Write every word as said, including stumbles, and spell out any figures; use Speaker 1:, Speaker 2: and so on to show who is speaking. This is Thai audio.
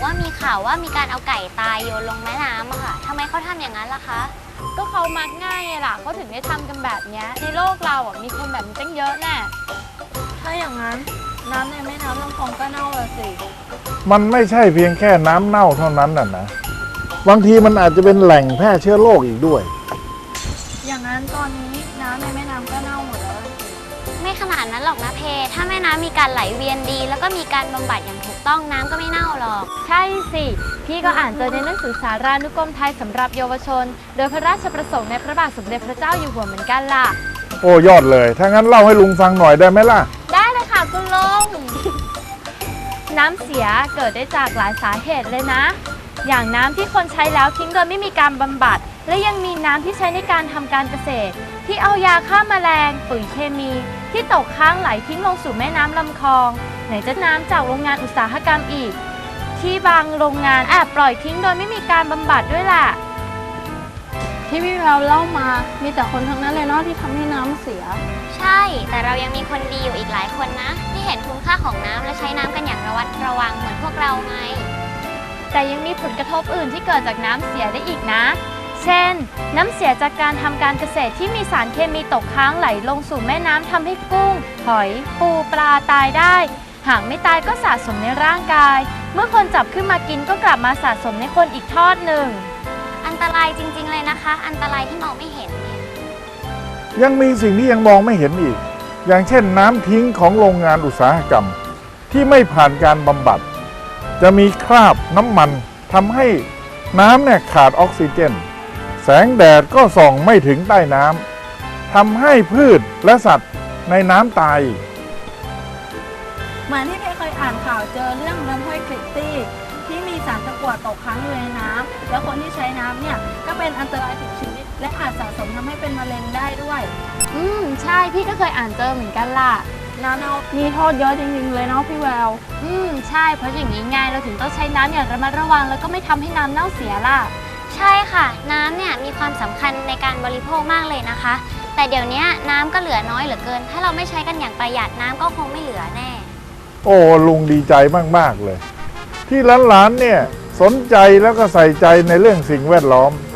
Speaker 1: ว่ามีข่าวว่ามีการเอาไก่ตายโยนลงแม่น้ำอะค่ะทำไมเขาทำอย่างนั้นล่ะคะ
Speaker 2: ก็เขามักง่ายไงล่ะเขาถึงได้ทำกันแบบนี้ในโลกเราอ่ะมีคนแบบนี้ตั้งเยอะแน่
Speaker 3: ถ้าอย่างนั้นน้ำในแม่น้ำลำคลองก็เน่าละสิ
Speaker 4: มันไม่ใช่เพียงแค่น้ำเน่าเท่านั้นน่ะนะบางทีมันอาจจะเป็นแหล่งแพร่เชื้อโรคอีกด้วย
Speaker 3: อย่างนั้นตอนนี้น้ำในแม่น้ำก็เน่าหมดแล้ว
Speaker 1: ไม่ขนาดนั้นหรอกนะเพถ้าแม่น้ำมีการไหลเวียนดีแล้วก็มีการบำบัดอย่างถูกต้องน้ำก็ไม่เน่าหรอก
Speaker 2: ใช่สิพี่ก็อ่านเจอในหนังสือสารานุกรมไทยสำหรับเยาวชนโดยพระราชประสงค์ในพระบาทสมเด็จพระเจ้าอยู่หัวเหมือนกันล่ะ
Speaker 4: โอ้ยอดเลยถ้างั้นเล่าให้ลุงฟังหน่อยได้ไหมล่ะ
Speaker 2: ได้เลยค่ะคุณลุง น้ำเสียเกิดได้จากหลายสาเหตุเลยนะอย่างน้ำที่คนใช้แล้วทิ้งโดยไม่มีการบำบัดและยังมีน้ำที่ใช้ในการทำการเกษตรที่เอายาฆ่าแมลงปุ๋ยเคมีที่ตกค้างไหลทิ้งลงสู่แม่น้ำลำคลองไหนจะน้ำจากโรงงานอุตสาหกรรมอีกที่บางโรงงานแอบปล่อยทิ้งโดยไม่มีการบำบัดด้วยล่ะ
Speaker 3: ที่พี่แววเล่ามามีแต่คนทั้งนั้นเลยเนาะที่ทำให้น้ำเสีย
Speaker 1: ใช่แต่เรายังมีคนดีอยู่อีกหลายคนนะที่เห็นคุณค่าของน้ำและใช้น้ำกันอย่างระวัดระวังเหมือนพวกเราไง
Speaker 2: แต่ยังมีผลกระทบอื่นที่เกิดจากน้ำเสียได้อีกนะเช่นน้ำเสียจากการทำการเกษตรที่มีสารเคมีตกค้างไหลลงสู่แม่น้ำทำให้กุ้งหอยปูปลาตายได้หากไม่ตายก็สะสมในร่างกายเมื่อคนจับขึ้นมากินก็กลับมาสะสมในคนอีกทอดหนึ่ง
Speaker 1: อันตรายจริงๆเลยนะคะอันตรายที่มองไม่เห็นเนี่ย
Speaker 4: ยังมีสิ่งที่ยังมองไม่เห็นอีกอย่างเช่นน้ำทิ้งของโรงงานอุตสาหกรรมที่ไม่ผ่านการบำบัดจะมีคราบน้ำมันทำให้น้ำเนี่ยขาดออกซิเจนแสงแดดก็ส่องไม่ถึงใต้น้ำทำให้พืชและสัตว์ในน้ำตาย
Speaker 3: เหมือนที่เพเคยอ่านข่าวเจอเรื่องน้ำห้วยคลิตตี้ที่มีสารตะกั่วตกค้างอยู่ในน้ำแล้วคนที่ใช้น้ำเนี่ยก็เป็นอันตรายถึงชีวิตและอาจสะสมทำให้เป็นมะเร็งได้ด้วย
Speaker 2: อืมใช่พี่ก็เคยอ่านเจอเหมือนกันล่ะ
Speaker 3: น้ำเน่ามีโทษเยอะจริงๆเลยเนาะพี่แวว
Speaker 2: อืมใช่เพราะอย่างนี้ไงเราถึงต้องใช้น้ำอย่างระมัดระวังแล้วก็ไม่ทำให้น้ำเน่าเสียล่ะ
Speaker 1: ใช่ค่ะน้ำเนี่ยมีความสำคัญในการบริโภคมากเลยนะคะแต่เดี๋ยวนี้น้ำก็เหลือน้อยเหลือเกินถ้าเราไม่ใช้กันอย่างประหยัดน้ำก็คงไม่เหลือแน่
Speaker 4: โอ้ลุงดีใจมากๆเลยที่หลานๆเนี่ยสนใจแล้วก็ใส่ใจในเรื่องสิ่งแวดล้อม